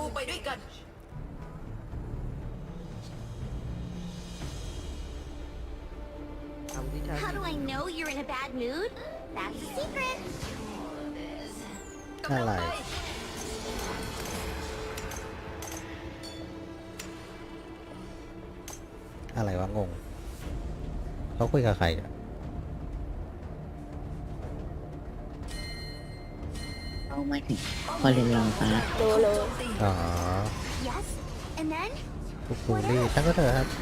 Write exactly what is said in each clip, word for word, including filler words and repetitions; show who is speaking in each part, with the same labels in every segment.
Speaker 1: ไปด้วยกัน
Speaker 2: How do I know you're in a bad mood? That's a secret.
Speaker 3: อะไรอะไรวะงงเขาคุยกับใครอ่ะ
Speaker 4: เอาไม่ถึงพอเรียนรองฟ้า
Speaker 2: โลโล
Speaker 3: อ๋อ
Speaker 2: Yes. And then?
Speaker 3: ทุกคูลี่ช่างก็เถอะครับ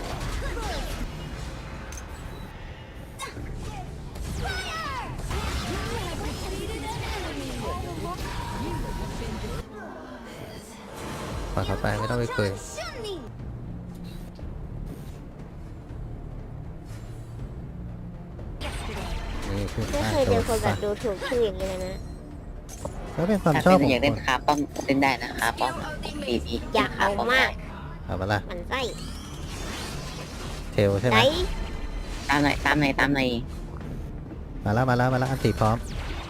Speaker 3: ปล่อยเขาไปไม่ต้องไปคุย
Speaker 2: Shoot me.
Speaker 3: นี่คือ
Speaker 5: ไม่
Speaker 3: การ
Speaker 5: เคย
Speaker 3: โด
Speaker 5: เจอน คนแบ
Speaker 3: ฟั
Speaker 5: บ
Speaker 3: น
Speaker 5: ดูถูกชื่ออย่างนี้เลยนะ
Speaker 3: ก็เป็นความ
Speaker 4: ถ้า
Speaker 3: ชอบ
Speaker 4: เป็น
Speaker 3: ของ
Speaker 4: อยากเล่น
Speaker 3: คน
Speaker 4: คาป้อมเล่นได้นะคาป้อมปีนี้
Speaker 5: อยากเอามาก
Speaker 3: เอามาละ
Speaker 5: มันไส้
Speaker 3: เทลใช่ไหม
Speaker 5: ไหน
Speaker 4: ตามไหนตามไหนตามไหน
Speaker 3: มาแล้วมาแล้วมาแล้วอันตีพร้อม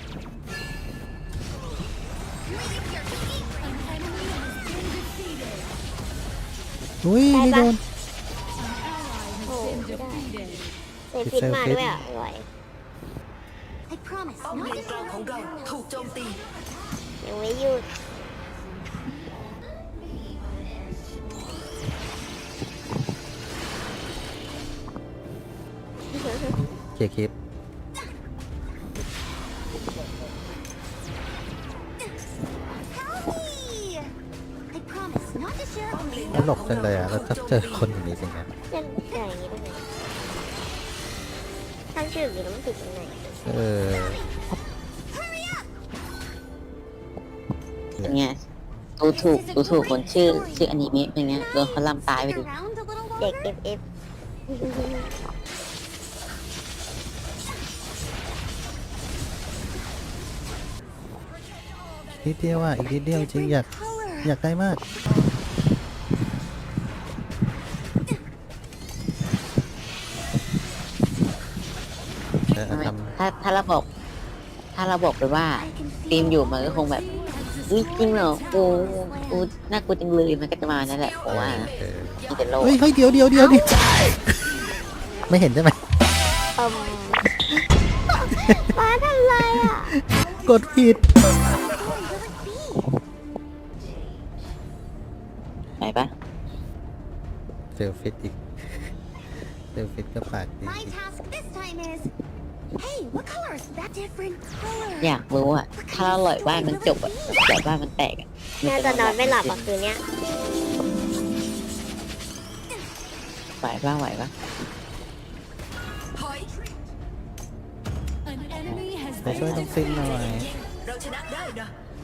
Speaker 3: อุ้ยนี่โดน
Speaker 5: โอ้ไม่ได้เซฟิตมาด้วยอ่ะอร่อย
Speaker 2: I promise
Speaker 1: ป้อม
Speaker 2: not
Speaker 1: เลน
Speaker 2: to
Speaker 1: กลางของเราถูกโจมตี
Speaker 5: ยังไม่หยุด
Speaker 3: เคลียร์คลิป
Speaker 2: help me. I promise not to share
Speaker 1: ป้อมเลน
Speaker 3: ตลกจังเลยอ่ะเราจะเจอคนอย่างนี้เป็นไง
Speaker 5: เล่นใหญ่อย่างนี้ได้ไงตั้งชื่ออย่างนี้แล้วมันผิดยังไง
Speaker 3: เออ
Speaker 4: เป็นไงดูถูกดูถูกคนชื่อชื่ออนิเมะเป็นไงโดนเขาล่ำตายไปดิ
Speaker 2: around a little
Speaker 5: เด็ก
Speaker 2: longer.
Speaker 5: เอฟเอฟ
Speaker 3: นิดเดียวอ่ะอีกนิดเดียวจริงอยาก
Speaker 2: Color.
Speaker 3: อยากได้มากเออทำ
Speaker 4: ถ้าถ้าเราบอก ถ้าเราบอกไปว่าทีมอยู่มันก็คงแบบอุ๊ยจริงเหรอกูกูน่ากลัวจังเลยมันก็จะมานั่นแหละเพราะว่า
Speaker 3: เออ
Speaker 4: มีแต่โลก
Speaker 3: เฮ้ยเฮ้ยเดี๋ยวเดี๋ยวเดี๋ยวดิไม่เห็นใช่ไหม
Speaker 5: เอิ่มฟ้าทำไรอ่ะ
Speaker 3: กดผิด
Speaker 4: ไปปะ
Speaker 3: เซลฟิตอีกเซลฟิตก็ปากดี
Speaker 2: My task this time is. Hey, what color is that? Different color.
Speaker 4: อยากรู้อ่ะถ้าเราลอยบ้านมันจบอ่ะลอยบ้านมันแตกอ่ะ
Speaker 5: น่าจะนอนไม่หลับอ่ะคืนเนี้ย
Speaker 4: ไหวปะไหวปะ
Speaker 1: ถอย
Speaker 3: ไปช่วยน้องฟินหน่อย
Speaker 1: เราชนะได้นะ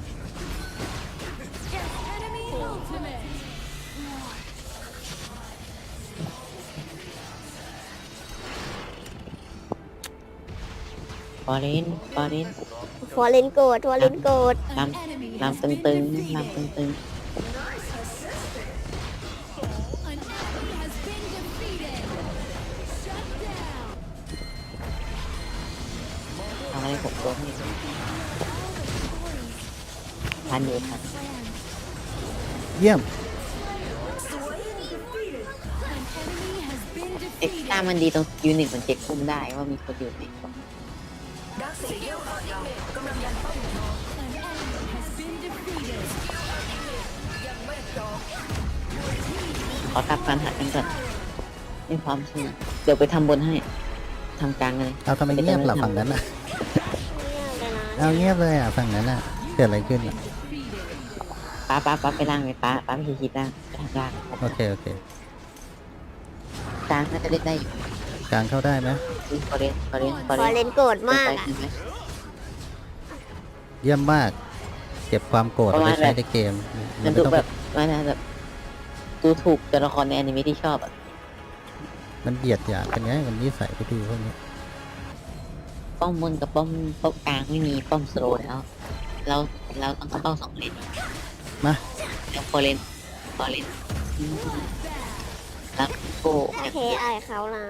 Speaker 4: ฟอเรนฟอเรน
Speaker 5: ฟอร์เรนโกดฟอร์เรนโกด
Speaker 4: ลำลำตึงๆลำตึงๆทำอะไรผมตัวนี้ทันอยู่ทัน
Speaker 3: เยี่ยม
Speaker 4: เอ็กซ์ต้ามันดีตรงยูนิตมันเช็คคุมได้ว่ามีคนอยู่ใน
Speaker 1: ดักสีเดียวของเรากำลังยันป้อมทองยังไม่พร้อม
Speaker 4: ขอทับการหากันก่อนไม่พร้อมใช่ไหมเดี๋ยวไปทำบนให้ทำกลางเลย
Speaker 3: เอาทำไมเงียบล่ะฝั่งนั้นอ่ะ
Speaker 5: เงียบเลยนะ
Speaker 3: เอาเงียบเลยอ่ะฝั่งนั้นอ่ะเกิดอะไรขึ้นอ่ะ
Speaker 4: ป้าป้าป้าไปล่างเลยป้าป้าไปคิดล่างไปทางล่าง
Speaker 3: โอเคโอเค
Speaker 4: กลางน่าจะเล่นได้อยู่
Speaker 3: กลางเข้าได้ไหม
Speaker 4: ฟอเรนฟอเรนฟอ
Speaker 5: ฟ
Speaker 4: เร
Speaker 5: อร์เร
Speaker 4: น
Speaker 5: นโกดมาก
Speaker 4: ไป
Speaker 5: อ่ะ
Speaker 4: ใช่ไหม
Speaker 3: เยี่ยมมาก เก็บความโกรธเอาไปใช้ในเกม
Speaker 4: มันดูแบบมันแบบดูถูกตัวละครในอนิเมะที่ชอบอ่ะ
Speaker 3: มันเบียดหยามกันไงมันนิสัยไม่ดีพวกนี้
Speaker 4: ป้อมบนกับป้อมป้อมกลางไม่มีป้อมสโลว์แล้วเราเราต้องเข้าเป้าสองเลน
Speaker 3: มา
Speaker 4: แล้วฟอเรนฟอเรนแล้วโก้
Speaker 5: โอเคไอายเขานะ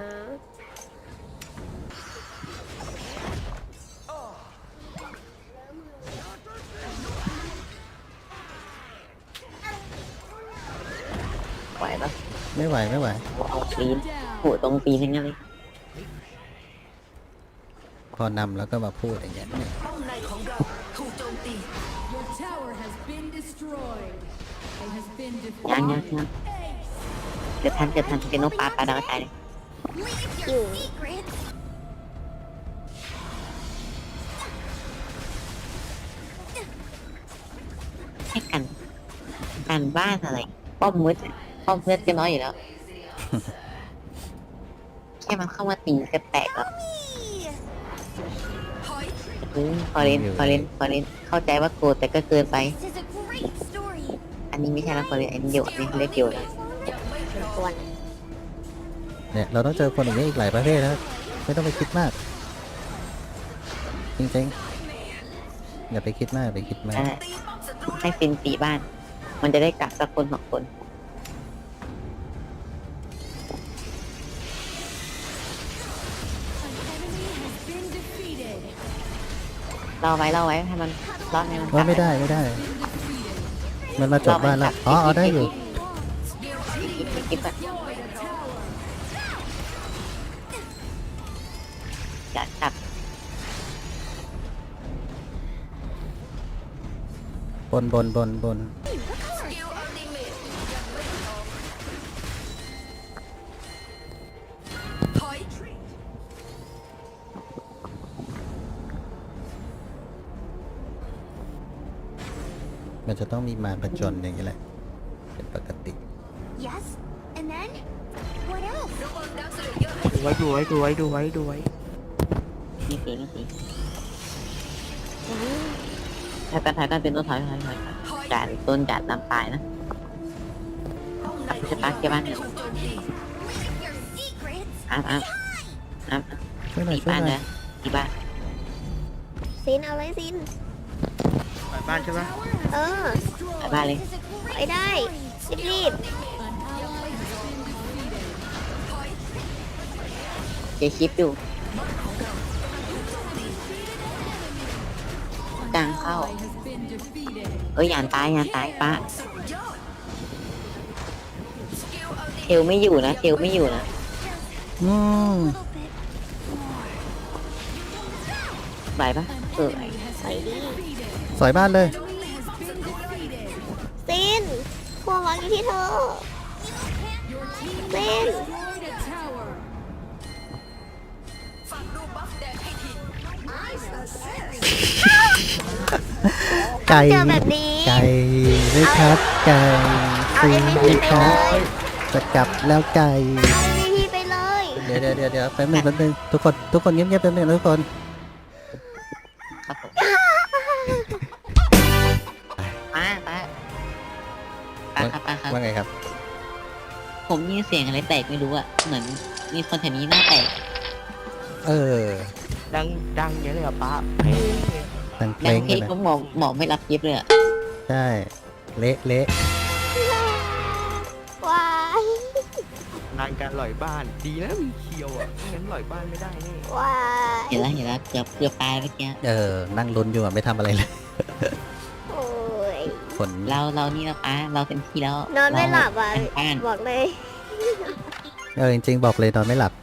Speaker 3: ไม่ไหวไม่ไหว
Speaker 4: เอาตีนโหตรงตีนทั้งนั้นเลย
Speaker 3: พอนำแล้วก็มาพูดอย่างเงี้ย
Speaker 1: ป้อมในของเราถูกโจมตี
Speaker 6: Your tower has been destroyed. It has been
Speaker 4: ยังยัง
Speaker 6: defeated.
Speaker 4: ยังเกิดทันเกิดทันเป็นนกปลาปลาดาวกระจายเลย
Speaker 2: Leave your secrets.
Speaker 4: ให้กันการบ้านอะไร ป้อมมืดอะป้อมเลือดก็น้อยอยู่แล้ว แค่มันเข้ามาตีก็แตกแล้ว
Speaker 1: ถอย
Speaker 4: อืมพอเล่นพอเล่นพอเล่นเข้าใจว่าโกรธแต่ก็เกินไป
Speaker 2: This is a great story.
Speaker 4: อันนี้ไม่ใช่แล้วพอเล่นอันนี้เดียวอันนี้เขาเรียกเดียวแล้ว
Speaker 5: ตัว
Speaker 3: เนี่ยเราต้องเจอคนอย่างนี้ยอีกหลายประเภทนะไม่ต้องไปคิดมาก จริงๆอย่าไปคิดมากอย่าไปคิดมาก
Speaker 4: นั่นแหละ
Speaker 1: ตีป้อมศัตรู
Speaker 4: ให้ฟินตีบ้าน มันจะได้กักสักคนสองคน
Speaker 6: Been defeated.
Speaker 4: รอไว้รอไว้ให้มันรอดให้มัน
Speaker 3: ว่าไม่ได้ไม่ได้ มันมาจบบ้านแล้วอ๋อเอาได้อยู่
Speaker 4: คิดคิดแบบจัดจัด
Speaker 3: บนบนบนบน
Speaker 1: สกิลอัลติเมทยังไม่พร้อมถอย
Speaker 3: มันจะต้องมีมารผจญอย่างนี้แหละ เป็นปกติ
Speaker 2: Yes. And then? What else?
Speaker 1: ระวังดักสเลเยอร์ให้
Speaker 7: ดูไว้ดูไว้ดูไว้ดูไว้ดูไว้
Speaker 4: นี่ตีนี่ตีถ้าการถ่ายการเป็นต้นถอยถอยถอยถอย
Speaker 1: ถอย
Speaker 4: การต้นการตามปลายนะ
Speaker 1: ป้อมในข
Speaker 4: จะ
Speaker 1: อง
Speaker 4: ปั
Speaker 1: เรา
Speaker 4: กเกี่ยวบ้าน
Speaker 1: ถูกโจมตี
Speaker 2: Leave your secrets.
Speaker 4: อ้ามอ้ามอ้าม
Speaker 3: ช่วยหน่อย
Speaker 4: ตี
Speaker 3: ช่วย
Speaker 4: บ้าน
Speaker 3: หน่อ
Speaker 4: นะ
Speaker 3: ย
Speaker 4: ตีบ้าน
Speaker 5: ซินเอาเลยซิน
Speaker 7: ไปบ้านใช่ปะ
Speaker 5: เออ
Speaker 4: ไปบ้านเลย
Speaker 2: This is a
Speaker 5: ไป
Speaker 2: great
Speaker 5: ได้รีบ
Speaker 6: An ally has been defeated.
Speaker 4: เจคลิปดูกลางเข้า
Speaker 6: Ally has been defeated.
Speaker 4: เอ้ยยานตายยานตายป้า
Speaker 1: สุดยอดสกิลอัลติ
Speaker 4: เทลไม่อยู่นะเทลไม่อยู่นะ
Speaker 3: อืม
Speaker 2: little bit.
Speaker 4: ไหวปะเออ
Speaker 5: ไปดิ
Speaker 3: สอยบ้านเลย
Speaker 5: ซินพวกเราอยู่ที่เธอ
Speaker 6: Your team
Speaker 5: ซิน
Speaker 6: destroyed a tower.
Speaker 1: ฟังรูปบัฟแดงให้ที
Speaker 3: ไก่
Speaker 5: เจอแบบนี้
Speaker 3: ไก่ไม่ครับ ไก่
Speaker 5: เอา
Speaker 3: ซี
Speaker 5: เอ็ม
Speaker 3: ไม่
Speaker 5: วี
Speaker 3: ค
Speaker 5: ไป
Speaker 3: รับ
Speaker 5: เลย
Speaker 3: จะกลับแล้วไก่
Speaker 5: เอาเอ็มวีไปเลย
Speaker 3: เดี๋ยวเดี๋ยวเดี๋ยวเดี๋ยวแป๊บนึงแป๊บนึงทุกคนทุกคนเงียบๆแป๊บนึงนะทุกคน
Speaker 4: ครับผมป้าป้าป้าครับป้าครับ
Speaker 3: ว่าไงครับ
Speaker 4: ผมยินเสียงอะไรแตกไม่รู้อะเหมือนมีคนแถวนี้หน้าแตก
Speaker 3: เออ
Speaker 7: ดังดังเยอะเลยเหรอ่ะป้าเฮ้ย
Speaker 3: ดังเพล
Speaker 4: ดัง
Speaker 3: ง
Speaker 4: เพล
Speaker 3: กัน
Speaker 4: ง
Speaker 3: นะ
Speaker 4: ก็หมอหมอไม่รับยิบเลยอะ
Speaker 3: ใช่ เละเละ
Speaker 5: ว้าย
Speaker 7: งานการหล่อยบ้านดีนะมีเคียวอ่ะไม่งั้นหล่อยบ้านไม่ได้นี่
Speaker 5: ว้าย
Speaker 4: เห็นแล้วเห็นแล้วเกือบเกือบตายเมื่อกี้
Speaker 3: เออ นั่งลุ้นอยู่อะไม่ทำอะไรเลย
Speaker 5: โอ้ย
Speaker 3: ฝน
Speaker 4: เราเรานี่เราป้าเราเต็มที่แล้ว
Speaker 5: นอนไม่หลับอ่ะ
Speaker 4: เราทางบ้าน
Speaker 5: บอกเลย
Speaker 3: เออจริงๆบอกเลยนอนไม่หลับ